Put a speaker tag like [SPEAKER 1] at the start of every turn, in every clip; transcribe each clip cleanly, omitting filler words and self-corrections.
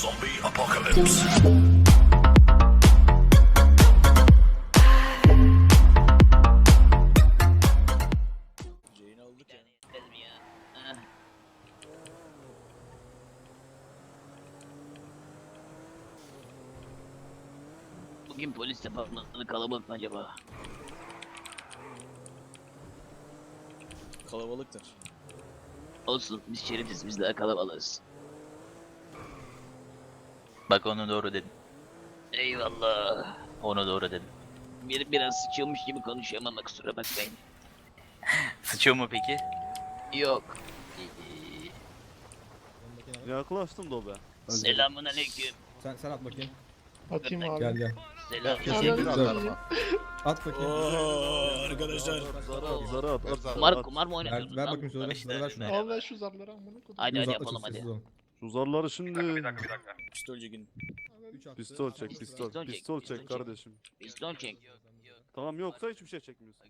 [SPEAKER 1] Zombie apocalypse.
[SPEAKER 2] Yayını aldık ya.
[SPEAKER 3] Yetmez mi ya? Ah. Bugün polis departmanı kalabalık mı acaba?
[SPEAKER 2] Kalabalıktır.
[SPEAKER 3] Olsun, biz şerifiz, biz daha kalabalığız.
[SPEAKER 4] Bak onu doğru dedin.
[SPEAKER 3] Eyvallah.
[SPEAKER 4] Onu doğru dedin.
[SPEAKER 3] Biraz sıçılmış gibi konuşuyorum ama kusura bakmayın.
[SPEAKER 4] Sıçıyor mu peki?
[SPEAKER 3] Yok.
[SPEAKER 5] Yaklaştım da o be.
[SPEAKER 3] Selamun aleyküm.
[SPEAKER 6] Sen at bakayım.
[SPEAKER 7] Atayım abi.
[SPEAKER 6] Gel gel.
[SPEAKER 3] Selam.
[SPEAKER 7] Teşekkür ederim.
[SPEAKER 6] At bakayım.
[SPEAKER 2] Oo arkadaşlar.
[SPEAKER 5] Zarı at.
[SPEAKER 3] Kumar mı
[SPEAKER 6] Ver,
[SPEAKER 3] oynatıyorsunuz
[SPEAKER 6] ver
[SPEAKER 3] lan?
[SPEAKER 6] bakayım şöyle.
[SPEAKER 4] işte,
[SPEAKER 6] Ver şunu.
[SPEAKER 7] Al ver şu zarları amına koydum.
[SPEAKER 3] Hadi
[SPEAKER 6] Uzatma,
[SPEAKER 3] yapalım
[SPEAKER 6] çok
[SPEAKER 3] hadi.
[SPEAKER 6] sessiz ol.
[SPEAKER 5] Şu zarları şimdi
[SPEAKER 2] Pistol çekin.
[SPEAKER 6] Üç attı.
[SPEAKER 5] pistol çek,
[SPEAKER 3] Pistol
[SPEAKER 5] pistol,
[SPEAKER 3] çek,
[SPEAKER 5] pistol
[SPEAKER 3] pistol
[SPEAKER 5] çek
[SPEAKER 3] çek.
[SPEAKER 5] kardeşim.
[SPEAKER 3] Piston çek.
[SPEAKER 5] Tamam yoksa hiçbir şey çekmiyorsun.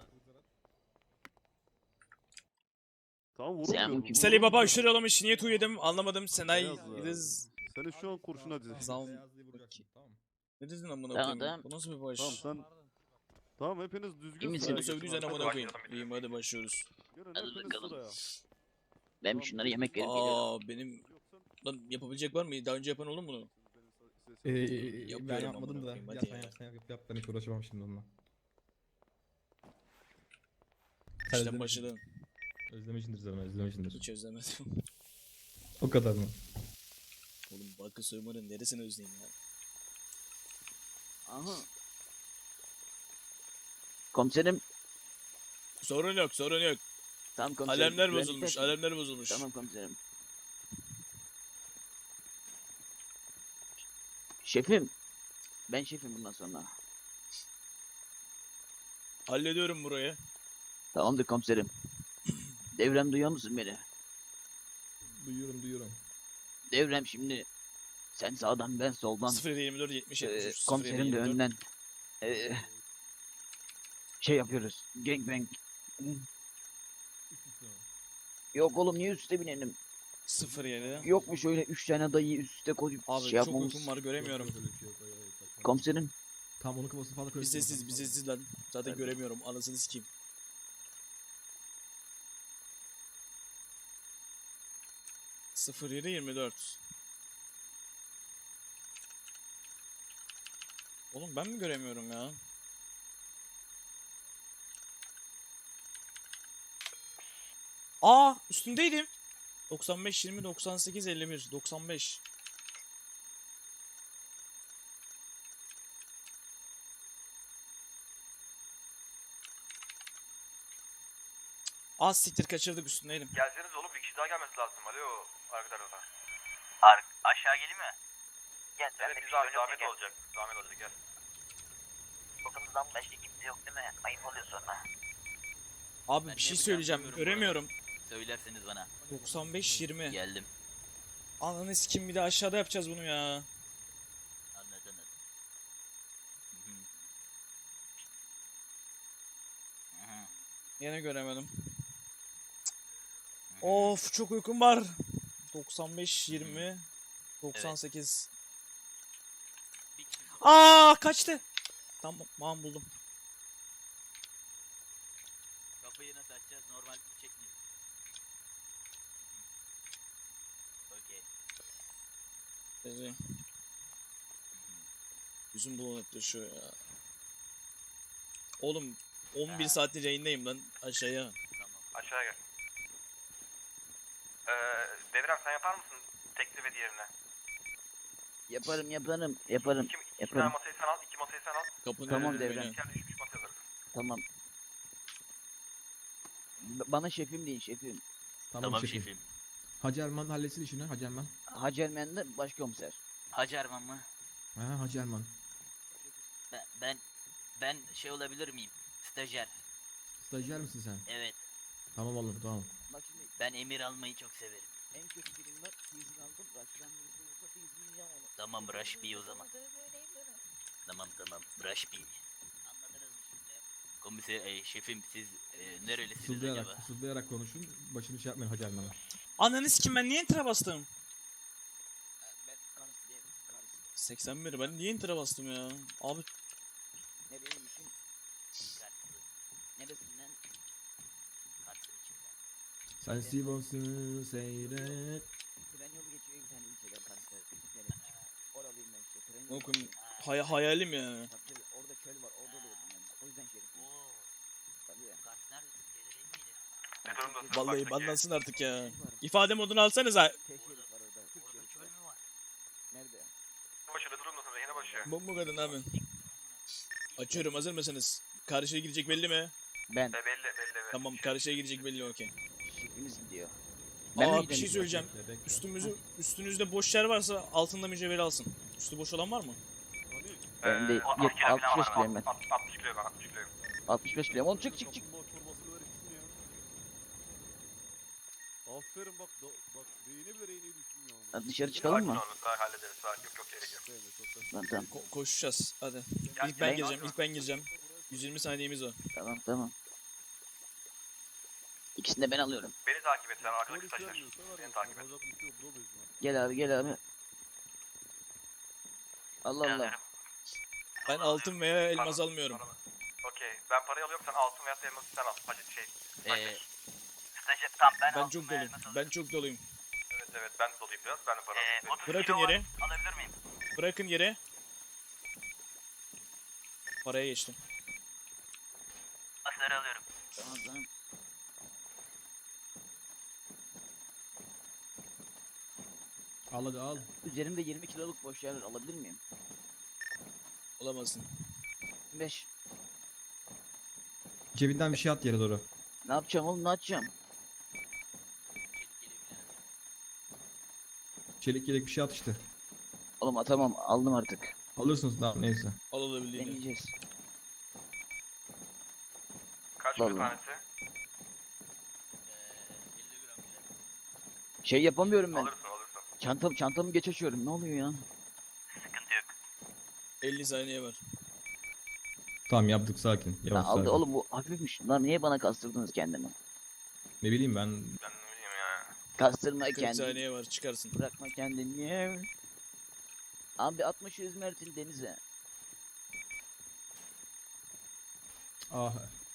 [SPEAKER 5] Tamam
[SPEAKER 3] Sen
[SPEAKER 5] vurmuyorum.
[SPEAKER 3] bu kim?
[SPEAKER 2] Salih Baba aşırı yollamış. Niye tu yedim anlamadım. Senay
[SPEAKER 5] Beyaz ya.
[SPEAKER 2] Riz.
[SPEAKER 5] Seni şu an kurşuna dizi.
[SPEAKER 2] Zam.
[SPEAKER 6] Beyazlığı vuracaksın, tamam mı?
[SPEAKER 2] Ne dedin amına
[SPEAKER 3] Tamam,
[SPEAKER 2] koyayım?
[SPEAKER 3] tamam.
[SPEAKER 2] Bu nasıl bir baş?
[SPEAKER 5] Tamam sen. Tamam hepiniz düzgün
[SPEAKER 3] Kimin
[SPEAKER 5] sıraya
[SPEAKER 3] seni
[SPEAKER 2] Seni sövdüysen
[SPEAKER 5] geçin.
[SPEAKER 2] amına koyayım. İyiyim hadi başlıyoruz.
[SPEAKER 5] Gelin
[SPEAKER 3] Hadi
[SPEAKER 5] hepiniz
[SPEAKER 3] bakalım.
[SPEAKER 5] sıraya.
[SPEAKER 3] Ben bir şunlara yemek verip geliyorum.
[SPEAKER 2] Aa benim
[SPEAKER 5] Yoksa
[SPEAKER 2] lan yapabilecek var mı? Daha önce yapan oldu mu bunu?
[SPEAKER 6] Ben
[SPEAKER 2] Yapıyorum
[SPEAKER 6] yapmadım
[SPEAKER 2] amına
[SPEAKER 6] da.
[SPEAKER 2] koyayım,
[SPEAKER 6] Yap
[SPEAKER 2] hadi
[SPEAKER 6] sen
[SPEAKER 2] ya.
[SPEAKER 6] yap sen yap. Ben hiç uğraşamam şimdi onunla.
[SPEAKER 2] İşten başladım.
[SPEAKER 6] Özlemişindir zaten özlemişindir.
[SPEAKER 2] Hiç özlemedim.
[SPEAKER 6] O kadar mı?
[SPEAKER 2] Oğlum Bakı soymanın neresini özleyeyim ya?
[SPEAKER 3] Aha. Komiserim.
[SPEAKER 2] Sorun yok sorun yok.
[SPEAKER 3] Tamam komiserim.
[SPEAKER 2] Alemler
[SPEAKER 3] Güvenlik
[SPEAKER 2] bozulmuş
[SPEAKER 3] takip-
[SPEAKER 2] alemler bozulmuş.
[SPEAKER 3] Tamam komiserim. Şefim. Ben şefim bundan sonra.
[SPEAKER 2] Hallediyorum burayı.
[SPEAKER 3] Tamamdır komiserim. Devrem duyuyor musun beni?
[SPEAKER 6] Duyuyorum.
[SPEAKER 3] Devrem şimdi sen sağdan ben soldan
[SPEAKER 2] 0724 70 73
[SPEAKER 3] komiserim de önden e, şey yapıyoruz. Gangbang. Yok oğlum niye üste binelim?
[SPEAKER 2] 07.
[SPEAKER 3] Yok mu şöyle 3 tane dayıyı üst üste koyup
[SPEAKER 2] Abi
[SPEAKER 3] şey
[SPEAKER 2] çok
[SPEAKER 3] yapmamız?
[SPEAKER 2] uykum var göremiyorum.
[SPEAKER 3] Komiserim
[SPEAKER 6] Tam onun kafasını fazla
[SPEAKER 2] Bir
[SPEAKER 6] karıştırma.
[SPEAKER 2] sessiz bir sessiz lan. Zaten göremiyorum anasını sikeyim. 0724. Oğlum ben mi göremiyorum ya? Aa üstündeydim. 95 20 98 51 95. Az siktir kaçırdık üstündeydim.
[SPEAKER 8] Gelseniz oğlum bir kişi daha gelmesi lazım. Alo arkadaşlar.
[SPEAKER 4] Aşağı geleyim mi?
[SPEAKER 8] Evet biz abi zahmet olacak. Zahmet olacak gel.
[SPEAKER 4] Bakımızdan başka kimse yok değil mi? Ayıp oluyor sonra.
[SPEAKER 2] Abi
[SPEAKER 4] Ben
[SPEAKER 2] bir şey
[SPEAKER 4] ne
[SPEAKER 2] söyleyeceğim.
[SPEAKER 4] yapacağımı bilmiyorum
[SPEAKER 2] Göremiyorum.
[SPEAKER 4] Söylerseniz bana.
[SPEAKER 2] 95 20.
[SPEAKER 4] Geldim.
[SPEAKER 2] Ananı sikim bir de aşağıda yapacağız bunu ya.
[SPEAKER 4] Anladınız. Hı hı. Hı hı.
[SPEAKER 2] Yine göremedim. Of çok uykum var. 95 20 98.
[SPEAKER 4] Bir kişi-
[SPEAKER 2] Aa kaçtı. Tamam buldum.
[SPEAKER 4] Kapıyı nasıl açacağız? Normal çekmeyiz. Okey.
[SPEAKER 2] Dedi. Yüzüm bulanıklaşıyor ya. Oğlum 11 saattir yayındayım lan aşağıya.
[SPEAKER 4] Tamam.
[SPEAKER 8] Aşağıya gel. Devrem sen yapar mısın tekli ve diğerine?
[SPEAKER 3] yaparım.
[SPEAKER 8] İki tane
[SPEAKER 3] Yaparım.
[SPEAKER 8] masayı sen al, iki masayı sen al.
[SPEAKER 2] Kapının
[SPEAKER 3] Tamam,
[SPEAKER 2] önünde
[SPEAKER 3] Devrem.
[SPEAKER 2] beni.
[SPEAKER 8] İçeride düşmüş masaya alırsın.
[SPEAKER 3] Tamam. Bana şefim deyin şefim.
[SPEAKER 4] Tamam şefim.
[SPEAKER 6] Hacı Erman halletsin işini. Hacı Erman.
[SPEAKER 3] Hacı Ermen de başkomiser.
[SPEAKER 4] Hacı Erman mı?
[SPEAKER 6] Ha Hacı Erman.
[SPEAKER 4] Ben şey olabilir miyim? Stajyer.
[SPEAKER 6] Stajyer misin sen?
[SPEAKER 4] Evet.
[SPEAKER 6] Tamam oğlum tamam.
[SPEAKER 3] Bak şimdi
[SPEAKER 4] Ben emir almayı çok severim.
[SPEAKER 3] en kötü birim var. İzin aldım. Başkan izin olsa bir izin yiyeceğim onu.
[SPEAKER 4] Tamam Rush B o zaman. Tamam. Rush B. Anladınız mı şimdi? Komiser, şefim siz nerelisiniz
[SPEAKER 6] Fısıldayarak,
[SPEAKER 4] acaba?
[SPEAKER 6] fısıldayarak konuşun. Başını şey yapmayın Hacı Erman'a.
[SPEAKER 2] Ananı sikim ben niye enter'a bastım?
[SPEAKER 3] Ben
[SPEAKER 2] 81 ben niye enter'a bastım ya? Abi
[SPEAKER 3] Nereymişim? Neresinden?
[SPEAKER 4] Kars'ın içinden.
[SPEAKER 6] Sen Sivas'ı seyret.
[SPEAKER 3] Tren yolu geçiyor bir tane ilçeden Kars'ta. Oralıyım ben işte. Tren yolu
[SPEAKER 2] okum
[SPEAKER 3] geçiyor.
[SPEAKER 2] hayalim ya.
[SPEAKER 3] Tabii orada çöl var. Orada doğdum ben. O yüzden şerifim.
[SPEAKER 4] Oo.
[SPEAKER 3] Tabii.
[SPEAKER 4] Kars neredesin? Gelir değil miydi?
[SPEAKER 8] Ne durumdasın?
[SPEAKER 2] Vallahi
[SPEAKER 8] Parktaki?
[SPEAKER 2] banlansın artık ya.
[SPEAKER 3] Şerif var.
[SPEAKER 2] İfade modunu alsanıza.
[SPEAKER 3] T şerif var orada. Türk
[SPEAKER 4] Orada
[SPEAKER 3] şerif
[SPEAKER 4] çöl
[SPEAKER 3] var.
[SPEAKER 4] mü var?
[SPEAKER 3] Nerede?
[SPEAKER 8] Başı ne durumdasın? Rehine başı.
[SPEAKER 2] Bomba kadın abi. Açıyorum, hazır mısınız? Karşıya girecek belli mi?
[SPEAKER 3] Ben.
[SPEAKER 8] Belli belli.
[SPEAKER 2] Tamam, karşıya girecek belli, okey.
[SPEAKER 3] Şerifiniz gidiyor. Ben mi
[SPEAKER 2] Aa, bir
[SPEAKER 3] gideyim?
[SPEAKER 2] şey söyleyeceğim. Üstünüzde boş yer varsa altında mücevheri alsın. Üstü boş olan var mı?
[SPEAKER 3] Ben de 65 kiloyum ben.
[SPEAKER 8] 60 kilo ben 60 kiloyum.
[SPEAKER 3] 65 kiloyum. Oğlum çık çık çık.
[SPEAKER 5] Kaplumbağa çorbasını ver içsin ya. Aferin bak bak reyine bile reyneyi düşünmüyor ama.
[SPEAKER 3] Hadi dışarı çıkalım mı?
[SPEAKER 8] Hallederiz. Yok gerek yok.
[SPEAKER 5] Sevme, çok da-
[SPEAKER 3] Lan tamam.
[SPEAKER 2] Koşacağız, hadi.
[SPEAKER 8] Gel,
[SPEAKER 2] İlk ben
[SPEAKER 8] gel,
[SPEAKER 2] gireceğim,
[SPEAKER 8] gel.
[SPEAKER 2] ilk ben gireceğim. 120 saniyemiz var.
[SPEAKER 3] Tamam tamam. İkisini de ben alıyorum.
[SPEAKER 8] Beni takip et sen arkadaki
[SPEAKER 5] Polis
[SPEAKER 8] taşlar.
[SPEAKER 5] vermiyorsa var
[SPEAKER 8] Beni
[SPEAKER 5] ya,
[SPEAKER 8] takip et.
[SPEAKER 5] yapacak bir şey yok, buradayız lan.
[SPEAKER 3] Gel abi gel abi. Allah Allah.
[SPEAKER 2] Ben altın veya elmas almıyorum.
[SPEAKER 8] Okey. Ben parayı alıyorum sen altın veya elması sen al. Hacı şey.
[SPEAKER 4] Stajyer tam ben
[SPEAKER 2] Ben
[SPEAKER 4] aldım
[SPEAKER 2] çok
[SPEAKER 4] ve
[SPEAKER 2] doluyum.
[SPEAKER 4] elmas
[SPEAKER 2] Ben çok doluyum.
[SPEAKER 8] Evet ben de dolayım biraz. Ben de para alayım.
[SPEAKER 4] 30
[SPEAKER 2] Bırakın
[SPEAKER 4] kilo var.
[SPEAKER 2] yere.
[SPEAKER 4] Alabilir miyim?
[SPEAKER 2] Bırakın yere. Paraya geçtim.
[SPEAKER 4] Asları alıyorum.
[SPEAKER 3] Tamam tamam.
[SPEAKER 6] Al hadi al.
[SPEAKER 3] Üzerimde 20 kiloluk boş yer alabilir miyim?
[SPEAKER 2] Olamazsın.
[SPEAKER 3] 5.
[SPEAKER 6] Cebinden bir şey at yere doğru.
[SPEAKER 3] Ne yapacağım oğlum ne yapacağım?
[SPEAKER 6] Çelik yelek bir şey at işte.
[SPEAKER 3] Oğlum atamam aldım artık.
[SPEAKER 6] Alırsınız tamam neyse.
[SPEAKER 2] Al olabildiğini.
[SPEAKER 3] Deneyeceğiz.
[SPEAKER 8] Kaç bir
[SPEAKER 3] Vallahi.
[SPEAKER 8] tanesi?
[SPEAKER 4] 50 gram bile.
[SPEAKER 3] Şey yapamıyorum ben.
[SPEAKER 8] Alırsın.
[SPEAKER 3] Çantamı geç açıyorum. Ne oluyor ya?
[SPEAKER 4] Sıkıntı yok.
[SPEAKER 2] 50 saniye var.
[SPEAKER 6] Tamam yaptık sakin.
[SPEAKER 3] Lan
[SPEAKER 6] Yavaş
[SPEAKER 3] aldı
[SPEAKER 6] sakin.
[SPEAKER 3] oğlum bu hafifmiş. Lan niye bana kastırdınız kendimi?
[SPEAKER 6] Ne bileyim ben
[SPEAKER 8] Ben ne bileyim ya.
[SPEAKER 3] Kastırma
[SPEAKER 2] 40
[SPEAKER 3] kendini.
[SPEAKER 2] saniye var, çıkarsın.
[SPEAKER 3] Bırakma kendini. Abi atma şu İzmir'in denize.
[SPEAKER 6] ah.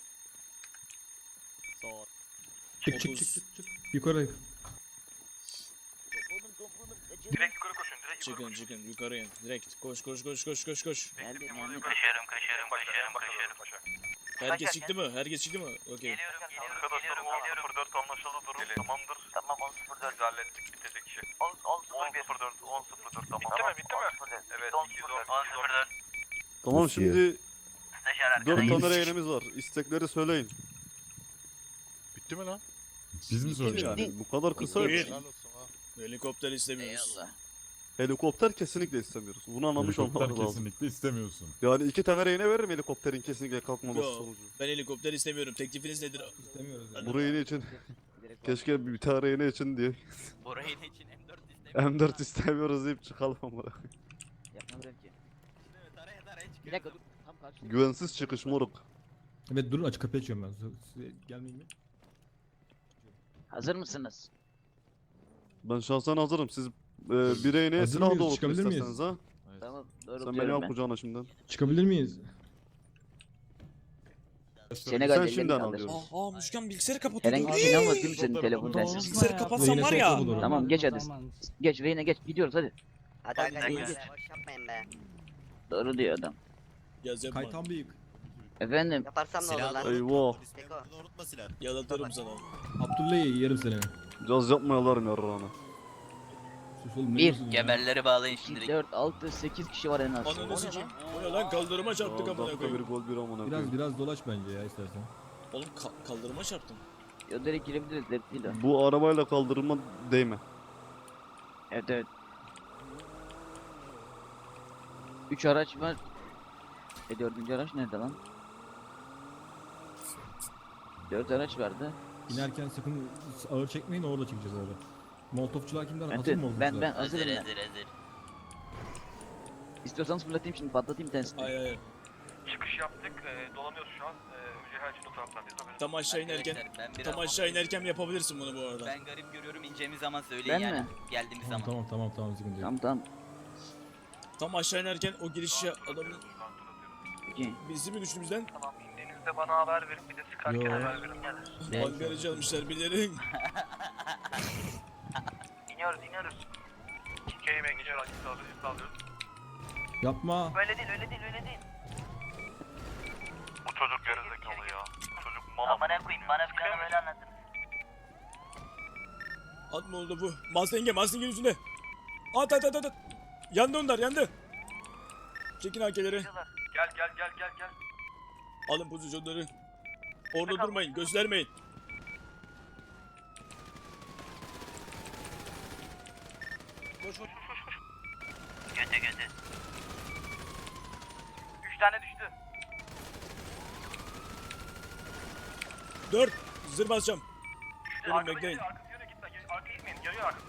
[SPEAKER 5] Sağ ol.
[SPEAKER 6] Çık çık
[SPEAKER 2] 30.
[SPEAKER 6] çık çık çık. Yukarı.
[SPEAKER 3] Topladım kaçın.
[SPEAKER 8] Direkt yukarı koşun. Direkt yukarı
[SPEAKER 2] Çıkın
[SPEAKER 8] koşun.
[SPEAKER 2] çıkın yukarıya. Direkt koş koş koş koş koş koş.
[SPEAKER 3] Nerede
[SPEAKER 8] Bekle,
[SPEAKER 3] nerede?
[SPEAKER 4] Kaşıyorum
[SPEAKER 8] Başa.
[SPEAKER 2] Herkes çıktı mı? Herkes çıktı mı? Okey.
[SPEAKER 4] Geliyorum
[SPEAKER 8] Arkadaşlar 10.04 anlaşıldı durum tamamdır.
[SPEAKER 4] Tamam 10.04.
[SPEAKER 8] Biz hallettik bitirdik işi.
[SPEAKER 4] 10.01.
[SPEAKER 8] 10.04 tamam. Bitti mi? Evet
[SPEAKER 4] 10.04.
[SPEAKER 5] Tamam şimdi
[SPEAKER 4] Stajyer arkada
[SPEAKER 5] 4
[SPEAKER 4] geliyor.
[SPEAKER 5] tane rehinemiz var. İstekleri söyleyin.
[SPEAKER 1] Bitti mi lan?
[SPEAKER 5] Biz mi söyleyeceğiz? Yani bu kadar kısa.
[SPEAKER 2] Buyur.
[SPEAKER 1] Helal olsun ha.
[SPEAKER 2] Helikopter istemiyoruz.
[SPEAKER 3] Eyvallah.
[SPEAKER 5] Helikopter kesinlikle istemiyoruz. Bunu anlamış
[SPEAKER 1] Helikopter
[SPEAKER 5] olmaları lazım.
[SPEAKER 1] kesinlikle istemiyorsun.
[SPEAKER 5] Yani 2 tane rehine veririm helikopterin kesinlikle kalkmaması
[SPEAKER 2] Yo.
[SPEAKER 5] sonucu.
[SPEAKER 2] Ben helikopter istemiyorum. Teklifiniz nedir?
[SPEAKER 6] İstemiyoruz yani.
[SPEAKER 5] Bu rehine için
[SPEAKER 3] Direkt
[SPEAKER 5] keşke bir tane rehine için diye
[SPEAKER 4] Burayı ne için M4 istemiyorum.
[SPEAKER 5] M4 istemiyoruz deyip çıkalım ama.
[SPEAKER 3] yapmadım ki.
[SPEAKER 4] Taraya çıkıyor.
[SPEAKER 3] Bir dakika dur. Tam karşıda.
[SPEAKER 5] Güvensiz çıkış moruk.
[SPEAKER 6] Evet durun açık kapıyı açıyorum ben. Size gelmeyeyim mi?
[SPEAKER 3] Hazır mısınız?
[SPEAKER 5] Ben şahsen hazırım. Siz bir rehineye
[SPEAKER 6] Hazır
[SPEAKER 5] silah
[SPEAKER 6] mıyız?
[SPEAKER 5] doğrultun
[SPEAKER 6] Çıkabilir miyiz?
[SPEAKER 5] isterseniz ha.
[SPEAKER 3] Tamam
[SPEAKER 5] Sen beni
[SPEAKER 3] doğrultuyorum
[SPEAKER 5] al
[SPEAKER 3] ben.
[SPEAKER 5] kucağına şimdiden.
[SPEAKER 6] Çıkabilir miyiz?
[SPEAKER 3] Senegal
[SPEAKER 5] Sen
[SPEAKER 3] ellerini
[SPEAKER 5] şimdiden
[SPEAKER 3] kaldır.
[SPEAKER 5] alıyorsun.
[SPEAKER 2] Müşken bilgisayarı kapatıyor.
[SPEAKER 3] Herhangi bir şey almadın değil mi senin telefon
[SPEAKER 1] Tamam.
[SPEAKER 3] telsiz?
[SPEAKER 2] Bilgisayarı kapatsam var ya.
[SPEAKER 6] Olur.
[SPEAKER 3] Tamam geç hadi. Geç reyne geç gidiyoruz hadi.
[SPEAKER 9] Hadi
[SPEAKER 2] Hadi
[SPEAKER 9] arkadaşlar
[SPEAKER 2] geç.
[SPEAKER 9] boş yapmayın be.
[SPEAKER 3] Doğru diyor adam.
[SPEAKER 2] Yaz yapma.
[SPEAKER 6] Kaytan büyük.
[SPEAKER 3] Efendim
[SPEAKER 9] Yaparsam ne olur lan?
[SPEAKER 5] Eyvah.
[SPEAKER 9] Seko.
[SPEAKER 2] Yalatırım sana.
[SPEAKER 6] Abdullah'ı yerim seni.
[SPEAKER 5] Caz yapmayalarım yarrağına.
[SPEAKER 6] Sus oğlum ne
[SPEAKER 3] Bir,
[SPEAKER 6] diyorsun ya?
[SPEAKER 4] Geberleri bağlayın
[SPEAKER 3] 2,
[SPEAKER 4] şimdi.
[SPEAKER 3] 4, 6, 8 kişi var en az.
[SPEAKER 2] Ananı sikeyim. O ne lan, kaldırıma çarptık amına
[SPEAKER 5] Dakika bir
[SPEAKER 2] koyayım.
[SPEAKER 5] gol bir amına
[SPEAKER 6] Biraz
[SPEAKER 5] koyayım.
[SPEAKER 6] biraz dolaş bence ya istersen.
[SPEAKER 2] Oğlum kaldırıma çarptım.
[SPEAKER 3] Yo direkt girebiliriz dert değil o.
[SPEAKER 5] Bu arabayla kaldırılma değme.
[SPEAKER 3] Evet evet. 3 araç var. 4. araç nerede lan? 4 araç vardı.
[SPEAKER 6] İnerken sakın ağır çekmeyin orada çekeceğiz öyle. Molotofçular kimden? Hazır
[SPEAKER 3] Evet,
[SPEAKER 6] mı
[SPEAKER 3] ben
[SPEAKER 6] molotofçular?
[SPEAKER 4] Hazır
[SPEAKER 3] hazırım ben.
[SPEAKER 4] hazır.
[SPEAKER 3] İstiyorsanız fırlatayım şimdi patlatayım bir tanesini.
[SPEAKER 2] Ay.
[SPEAKER 8] Çıkış yaptık. Dolanıyoruz şu an. Ücehel için o taraflardayız.
[SPEAKER 2] Tam aşağı inerken.
[SPEAKER 4] Arkadaşlar, ben biraz
[SPEAKER 2] Tam aşağı inerken yapabilirsin bunu bu arada.
[SPEAKER 4] Ben garip görüyorum ineceğimiz zaman
[SPEAKER 3] Ben
[SPEAKER 4] söyleyin yani.
[SPEAKER 3] mi?
[SPEAKER 4] Geldiğimiz
[SPEAKER 6] Tamam
[SPEAKER 4] zaman.
[SPEAKER 6] tamam sıkıntı yok.
[SPEAKER 3] Tamam tamam.
[SPEAKER 2] Tam aşağı inerken o girişe adamın bizi mi düştüğümüzden
[SPEAKER 8] Tamam indiğinizde bana haber verin. Bir de sıkarken
[SPEAKER 6] Yo.
[SPEAKER 8] haber verin. Gelir.
[SPEAKER 2] bangaracı almışlar bilirim.
[SPEAKER 8] İniyoruz iniyoruz. K'yi bekliyor. Açıkta alıyoruz.
[SPEAKER 6] Yapma.
[SPEAKER 8] Öyle değil öyle değil öyle değil. Bu çocuk gerizekalı ya. Bu çocuk mal.
[SPEAKER 4] Amına koyayım bana planı böyle anlattınız.
[SPEAKER 2] Atma oldu bu. Mustang'e üstünde. At. Yandı onlar yandı. Çekin AK'leri.
[SPEAKER 8] Gel.
[SPEAKER 2] Alın pozisyonları. Orada durmayın göstermeyin. Koş.
[SPEAKER 4] Götü.
[SPEAKER 8] 3 tane düştü.
[SPEAKER 2] 4. Zır basacağım. Durun bekleyin.
[SPEAKER 8] Arkası yöne gitme. Arkaya gitmeyin. Yarıyor arkası.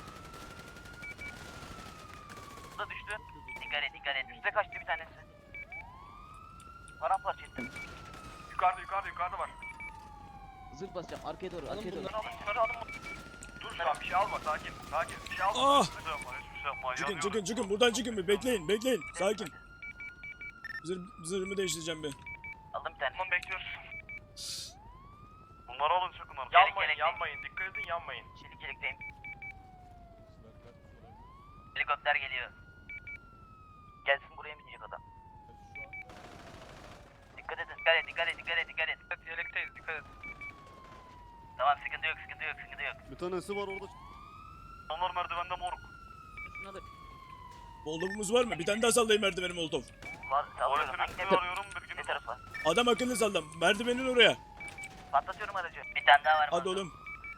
[SPEAKER 4] Bu da düştü. Dikkat et.
[SPEAKER 8] Üste kaçtı bir tanesi. Paramparça ettim. Yukarıda var.
[SPEAKER 3] Zırh basacağım arkaya doğru arkaya doğru.
[SPEAKER 8] Bunları alın. Dur şu an bir şey alma sakin. Bir şey alma.
[SPEAKER 2] Ah!
[SPEAKER 8] Hiçbir şey yapma.
[SPEAKER 2] Çıkın buradan çıkın bir bekleyin sakin. Zırhımı değiştireceğim bir.
[SPEAKER 4] Aldım bir tane.
[SPEAKER 8] Tamam bekliyoruz. Bunları alın sakın alın.
[SPEAKER 4] Gerek.
[SPEAKER 8] Yanmayın. Dikkat edin yanmayın.
[SPEAKER 4] Çelik çelikteyim. Helikopter geliyor. Gelsin buraya mı inecek adam? Dikkat edin. Dikkat et.
[SPEAKER 8] Evet yelekteyiz dikkat et.
[SPEAKER 4] Tamam sıkıntı yok.
[SPEAKER 5] Bir tanesi var orada.
[SPEAKER 8] Onlar merdivende moruk.
[SPEAKER 3] Şuna da
[SPEAKER 2] Molotofumuz var mı? Bir tane daha sallayayım merdiveni molotof.
[SPEAKER 4] Var sallıyorum.
[SPEAKER 8] Tuvaletini
[SPEAKER 4] Ne,
[SPEAKER 8] üstüne arıyorum
[SPEAKER 4] ne
[SPEAKER 8] bilginiz olsun.
[SPEAKER 4] tarafa?
[SPEAKER 2] Adam akıllı sallam. Merdivenin oraya.
[SPEAKER 4] Patlatıyorum aracı. Bir tane daha var.
[SPEAKER 2] Hadi oğlum.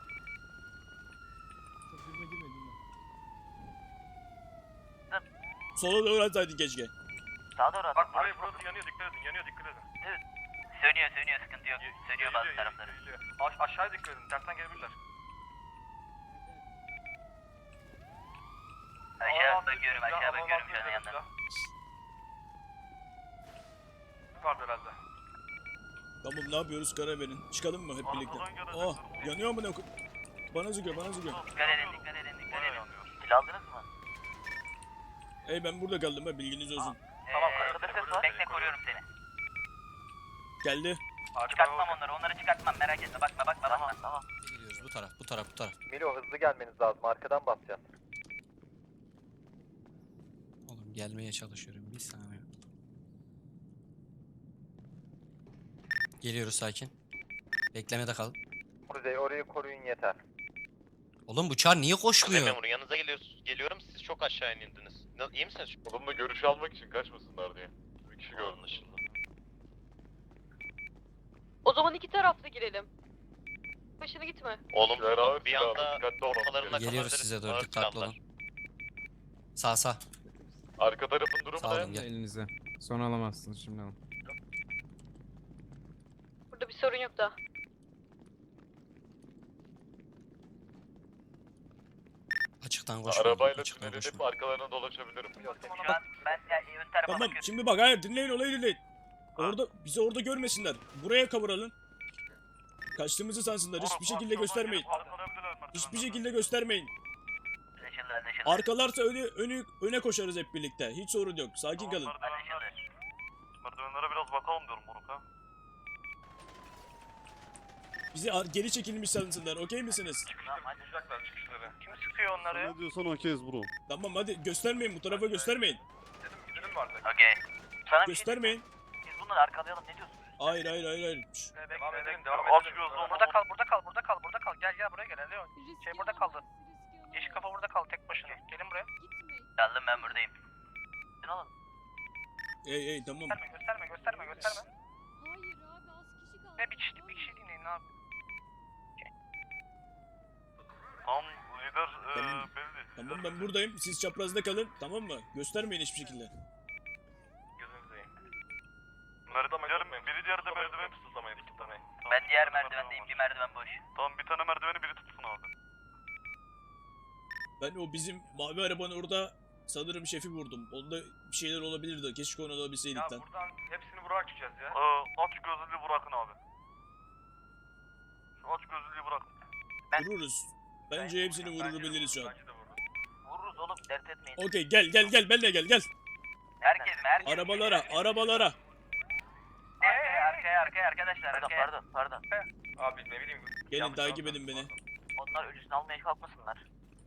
[SPEAKER 2] Sola doğru atsaydın keşke.
[SPEAKER 4] Sağa doğru at.
[SPEAKER 8] Bak burası yanıyor dikkat edin.
[SPEAKER 4] Sönüyor sıkıntı yok. Sönüyor bazı tarafları.
[SPEAKER 8] Aşağıya dikkat edin tersten gelebilirler.
[SPEAKER 4] Aşağı bakıyorum şu an yandan.
[SPEAKER 8] Yukarıda herhalde.
[SPEAKER 2] Tamam ne yapıyoruz karar verin. Çıkalım mı hep birlikte? Oh yanıyor mu ne? Bana zıkıyor.
[SPEAKER 4] Dikkat edin. Silah aldınız mı?
[SPEAKER 2] Ey ben burada kaldım ha bilginiz olsun.
[SPEAKER 8] Tamam, arkada ses var.
[SPEAKER 4] Bekle koruyorum seni.
[SPEAKER 2] Geldi.
[SPEAKER 4] Çıkartmam onları çıkartmam merak etme bakma. Tamam.
[SPEAKER 9] Gidiyoruz bu taraf.
[SPEAKER 8] Milo hızlı gelmeniz lazım arkadan basacağız.
[SPEAKER 9] Oğlum gelmeye çalışıyorum bir saniye. Geliyoruz sakin. Beklemede kal.
[SPEAKER 8] Kuzey orayı koruyun yeter.
[SPEAKER 9] Oğlum bu çar niye koşmuyor?
[SPEAKER 8] Yanınıza geliyorum siz çok aşağı indiniz. İyi misiniz? Onunla görüş almak için kaçmasınlar diye. Bir kişi gördüm.
[SPEAKER 10] O zaman iki taraflı girelim. Başına gitme.
[SPEAKER 8] Oğlum bir anda ortalarında
[SPEAKER 9] Geliyoruz size doğru dikkatli olun. Sağ.
[SPEAKER 8] Arka tarafın durumu
[SPEAKER 9] Sağ olun gel.
[SPEAKER 11] Elinize. Sonra alamazsınız şimdi alın.
[SPEAKER 10] Burada bir sorun yok da.
[SPEAKER 9] Açıktan koşma.
[SPEAKER 8] Arabayla
[SPEAKER 9] Açıktan
[SPEAKER 8] tünel
[SPEAKER 9] koşma.
[SPEAKER 8] edip arkalarına dolaşabilirim.
[SPEAKER 4] Şu an ben ön tarafa
[SPEAKER 2] Tamam
[SPEAKER 4] bakıyorum.
[SPEAKER 2] şimdi bak hayır dinleyin olayı dinleyin. Bizi orada görmesinler. Buraya kavuralım. Kaçtığımızı sansınlar. Hiçbir şekilde göstermeyin. Hiçbir şekilde göstermeyin.
[SPEAKER 4] Anlaşıldı.
[SPEAKER 2] Arkalarsa öne koşarız hep birlikte. Hiç sorun yok. Sakin kalın.
[SPEAKER 8] Merdivenlere biraz bakalım diyorum moruk ha.
[SPEAKER 2] Bizi geri çekilmiş sansınlar. Okey misiniz?
[SPEAKER 8] Çıkacaklar çıkışları. Kim sıkıyor onları?
[SPEAKER 5] Ne diyorsan okeyiz bro.
[SPEAKER 2] Tamam hadi göstermeyin. Bu tarafa göstermeyin.
[SPEAKER 8] Gidelim mi artık?
[SPEAKER 4] Okey. Sana bir şey
[SPEAKER 2] Göstermeyin.
[SPEAKER 4] biz bunları arkalayalım ne diyorsunuz?
[SPEAKER 2] Hayır. Şş,
[SPEAKER 8] Devam edelim devam edelim. Burada kal. Gel buraya gel Leon. Burada kaldı. Yeşil kafa burada kaldı tek başına. Gelin buraya.
[SPEAKER 4] Geldim ben buradayım. Sen alın.
[SPEAKER 2] Ey tamam.
[SPEAKER 8] Gösterme.
[SPEAKER 10] Hayır abi az kişi kaldı.
[SPEAKER 8] Bir kişi dinleyin abi. Tam lider
[SPEAKER 2] Tamam.
[SPEAKER 8] belli.
[SPEAKER 2] Tamam ben buradayım. Siz çaprazda kalın. Tamam mı? Göstermeyin hiçbir şekilde.
[SPEAKER 8] Gözünüzü yiyin. Biri diğer de merdiveni fısıldamayın. Fısıldamayın.
[SPEAKER 4] Ben diğer merdivendeyim. Bir merdiven boş.
[SPEAKER 8] Tamam bir tane merdiveni biri tutsun abi.
[SPEAKER 2] Ben o bizim mavi arabanın orada sanırım şefi vurdum. Onda bir şeyler olabilirdi. Keşke onu alabilseydik lan.
[SPEAKER 8] Buradan hepsini buraya açacağız ya. Aç gözlülüğü bırakın abi. Şu aç gözlülüğü bırakın.
[SPEAKER 2] Vururuz. Bence hepsini vurabiliriz şu an.
[SPEAKER 8] Bence de vururuz.
[SPEAKER 4] Vururuz oğlum dert etmeyin.
[SPEAKER 2] Okey gel benle gel.
[SPEAKER 4] Herkes mi? Herkes mi?
[SPEAKER 2] Arabalara.
[SPEAKER 4] Arkaya arkadaşlar. Pardon. Abi ne bileyim.
[SPEAKER 2] Gelin takip edin beni.
[SPEAKER 4] Onlar ölüsünü almaya kalkmasınlar.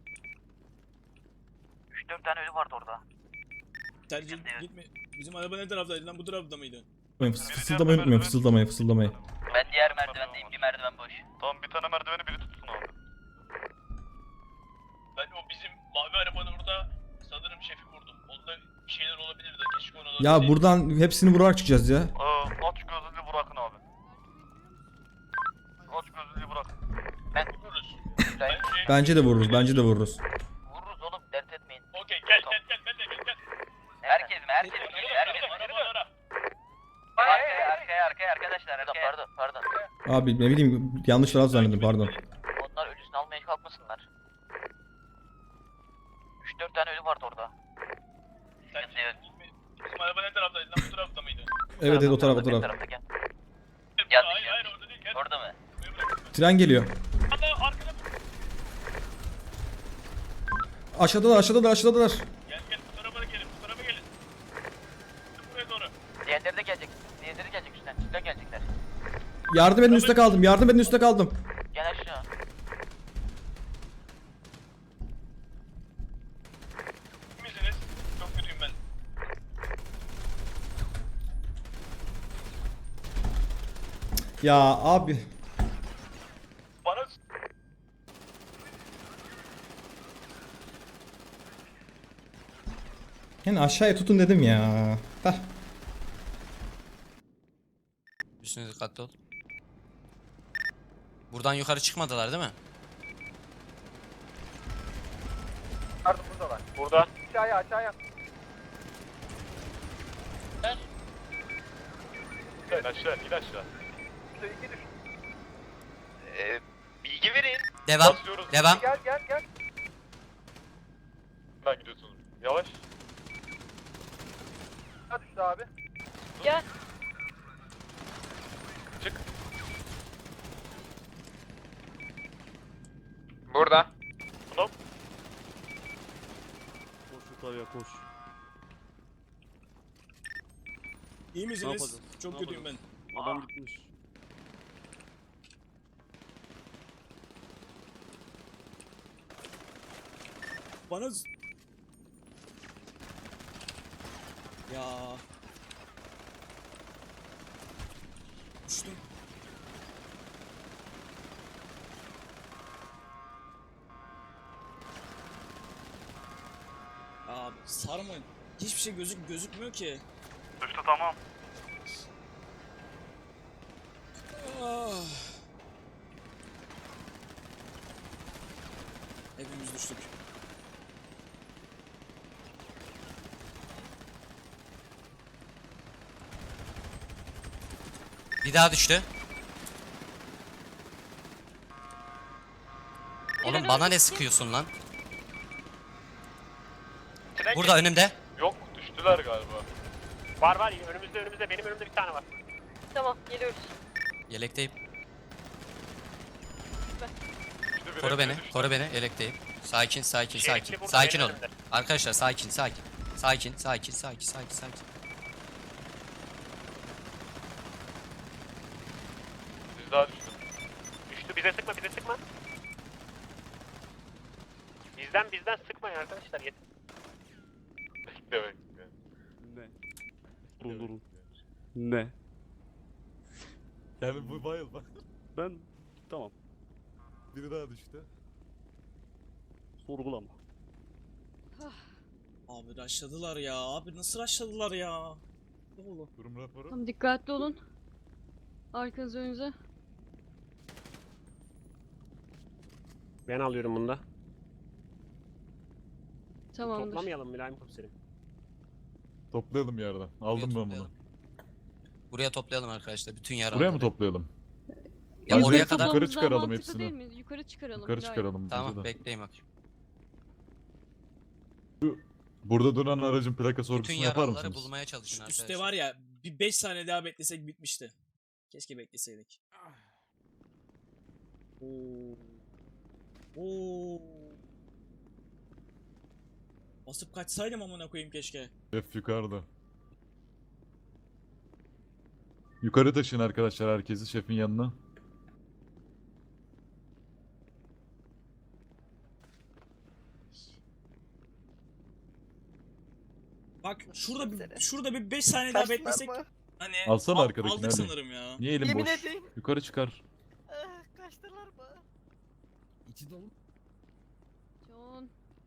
[SPEAKER 4] 3-4 tane ölü vardı orada.
[SPEAKER 2] Tercih gitme. Bizim araba ne taraftaydı lan, bu tarafta mıydı?
[SPEAKER 6] Fısıldamayı unutmayın, fısıldamayı.
[SPEAKER 4] Ben diğer merdivendeyim. Bir merdiven boş.
[SPEAKER 1] Tamam bir tane merdiveni biri tutsun abi.
[SPEAKER 2] Ben o bizim mavi arabanın orada sanırım şefi vurdum. Onda bir şeyler olabilir de keşke ona
[SPEAKER 6] Ya buradan hepsini vurarak çıkacağız ya.
[SPEAKER 1] Aç gözlüğü bırakın abi. Aç gözlüğü bırakın.
[SPEAKER 4] Ben
[SPEAKER 2] vururuz.
[SPEAKER 6] Bence de vururuz,
[SPEAKER 4] vururuz oğlum. Dert etmeyin.
[SPEAKER 2] Okey gel ben de gel.
[SPEAKER 4] Herkes mi? Herkes mi?
[SPEAKER 2] Arabalara.
[SPEAKER 4] Arkaya arkadaşlar. Pardon.
[SPEAKER 6] Abi ne bileyim yanlış taraf zannettim, pardon.
[SPEAKER 4] Onlar ölüsünü almaya kalkmasınlar. 3-4 tane ölü vardı orada.
[SPEAKER 2] Bizim araba ne taraftaydı lan, bu tarafta mıydı?
[SPEAKER 6] Evet o taraf.
[SPEAKER 4] Hayır
[SPEAKER 2] Orada değil gel.
[SPEAKER 4] orada mı?
[SPEAKER 6] Tren geliyor.
[SPEAKER 2] Arkada
[SPEAKER 6] Aşağıdalar.
[SPEAKER 2] gel bu tarafa gelin. Buraya doğru.
[SPEAKER 4] Diğerleri de gelecek. Üstten gelecekler.
[SPEAKER 6] Yardım edin, üstte kaldım.
[SPEAKER 4] Gel aşağı.
[SPEAKER 2] İyi misiniz? Çok kötüyüm ben.
[SPEAKER 6] Ya abi.
[SPEAKER 2] Bana
[SPEAKER 6] Yani aşağıya tutun dedim ya. Heh.
[SPEAKER 9] Üstüne dikkatli ol. Buradan yukarı çıkmadılar değil mi?
[SPEAKER 8] Burada. Aşağıya.
[SPEAKER 1] İn aşağı.
[SPEAKER 8] Bilgi verin.
[SPEAKER 9] Devam.
[SPEAKER 1] Basıyoruz.
[SPEAKER 9] Devam.
[SPEAKER 8] Gel.
[SPEAKER 1] Ben gidiyorsunuz. Yavaş.
[SPEAKER 8] Hadi düştü abi.
[SPEAKER 10] Gel.
[SPEAKER 1] Çık.
[SPEAKER 8] Burada.
[SPEAKER 1] Hop.
[SPEAKER 5] Koş yukarıya koş.
[SPEAKER 2] iyi misiniz?
[SPEAKER 5] yapacağız?
[SPEAKER 2] Çok
[SPEAKER 5] Ne
[SPEAKER 2] kötüyüm ben.
[SPEAKER 5] yapacağız? Adam gitmiş.
[SPEAKER 2] Bana ya düştüm. Abi sarmayın. Hiçbir şey gözükmüyor ki.
[SPEAKER 1] Düştü tamam.
[SPEAKER 2] Ah. Hepimiz düştük.
[SPEAKER 9] Bir daha düştü. Oğlum bana ne sıkıyorsun lan? Burada önümde.
[SPEAKER 1] Yok düştüler galiba.
[SPEAKER 8] Var önümüzde benim önümde bir tane var.
[SPEAKER 10] Tamam geliyoruz.
[SPEAKER 9] Yelekteyim.
[SPEAKER 1] Düştü biri,
[SPEAKER 9] Koru beni.
[SPEAKER 1] biri düştü.
[SPEAKER 9] Koru beni. Yelekteyim. Sakin.
[SPEAKER 8] burada,
[SPEAKER 9] Sakin
[SPEAKER 8] benim
[SPEAKER 9] olun.
[SPEAKER 8] önümde.
[SPEAKER 9] Arkadaşlar sakin.
[SPEAKER 1] Biz daha düştük.
[SPEAKER 8] Düştü bize sıkma. Bizden sıkmayın arkadaşlar yeter.
[SPEAKER 1] Bekle.
[SPEAKER 5] Ne? Durun. Ne?
[SPEAKER 1] Yani bu bayılma.
[SPEAKER 5] Ben tamam.
[SPEAKER 1] Biri daha düştü.
[SPEAKER 5] Sorgulama.
[SPEAKER 2] Abi rushladılar ya. Abi nasıl rushladılar ya? Oğlum.
[SPEAKER 1] Durum raporu.
[SPEAKER 10] Tamam dikkatli olun. Arkanız önünüze.
[SPEAKER 8] Ben alıyorum bunda.
[SPEAKER 10] Tamamdır.
[SPEAKER 8] Toplamayalım Mülayim komiserim.
[SPEAKER 1] Toplayalım yerden. Aldım ben bunu.
[SPEAKER 9] toplayalım. Buraya toplayalım arkadaşlar. Bütün yaraları.
[SPEAKER 1] Buraya mı toplayalım?
[SPEAKER 9] Ya
[SPEAKER 1] Bence
[SPEAKER 9] oraya kadar.
[SPEAKER 1] yukarı
[SPEAKER 10] Toplamamız daha
[SPEAKER 1] çıkaralım
[SPEAKER 10] mantıklı
[SPEAKER 1] hepsini.
[SPEAKER 10] değil mi? Yukarı çıkaralım.
[SPEAKER 1] Yukarı
[SPEAKER 10] Mülayim.
[SPEAKER 1] çıkaralım. bence
[SPEAKER 9] Tamam
[SPEAKER 1] de.
[SPEAKER 9] bekleyin bakayım.
[SPEAKER 1] Burada duran aracın plaka sorgusunu
[SPEAKER 9] Bütün
[SPEAKER 1] yapar
[SPEAKER 9] yaralıları
[SPEAKER 1] mısınız?
[SPEAKER 9] bulmaya çalışın
[SPEAKER 2] Şu
[SPEAKER 9] arkadaşlar.
[SPEAKER 2] üstte var ya, bir 5 saniye daha beklesek bitmişti. Keşke bekleseydik. Oo. Oo. Basıp kaçsaydım amına koyayım keşke.
[SPEAKER 1] Şef yukarıda. Yukarı taşıyın arkadaşlar herkesi şefin yanına.
[SPEAKER 2] Bak şurada bir 5 saniye daha beklesek. Hani
[SPEAKER 1] Alsana arkadakini,
[SPEAKER 2] aldık
[SPEAKER 1] hadi.
[SPEAKER 2] sanırım ya.
[SPEAKER 1] Niye elin
[SPEAKER 3] Yemin
[SPEAKER 1] boş?
[SPEAKER 3] edeyim.
[SPEAKER 1] Yukarı çıkar.
[SPEAKER 3] Kaçtılar mı?
[SPEAKER 6] İçi dolu.
[SPEAKER 10] John.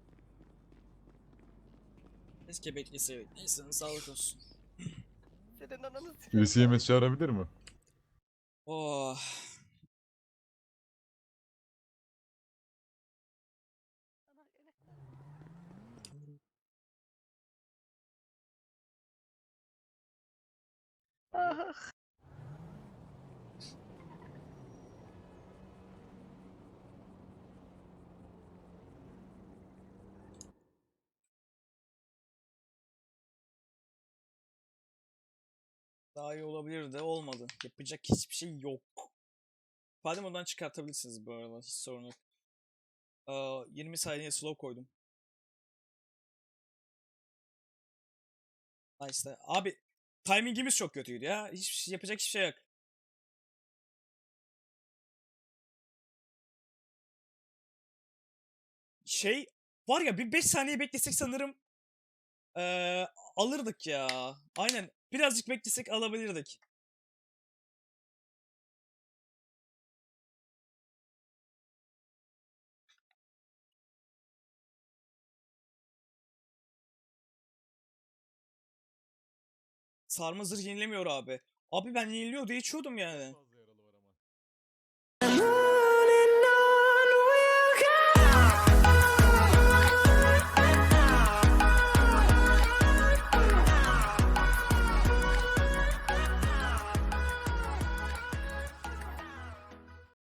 [SPEAKER 2] Keşke bekleseydik. Neyse sağlık olsun.
[SPEAKER 3] Senin ananı
[SPEAKER 1] Birisi yemek çağırabilir mi?
[SPEAKER 2] Oh. Daha iyi olabilir de olmadı. Yapacak hiçbir şey yok. İfade ondan çıkartabilirsiniz bu arada. Hiç sorun yok. 20 saniye slow koydum. Nice. Abi timingimiz çok kötüydü ya. Yapacak hiçbir şey yok. Şey var ya bir 5 saniye beklesek sanırım alırdık ya. Aynen. Birazcık beklesek alabilirdik. Sarma zırh yenilemiyor abi. Abi ben yeniliyor diye içiyordum yani.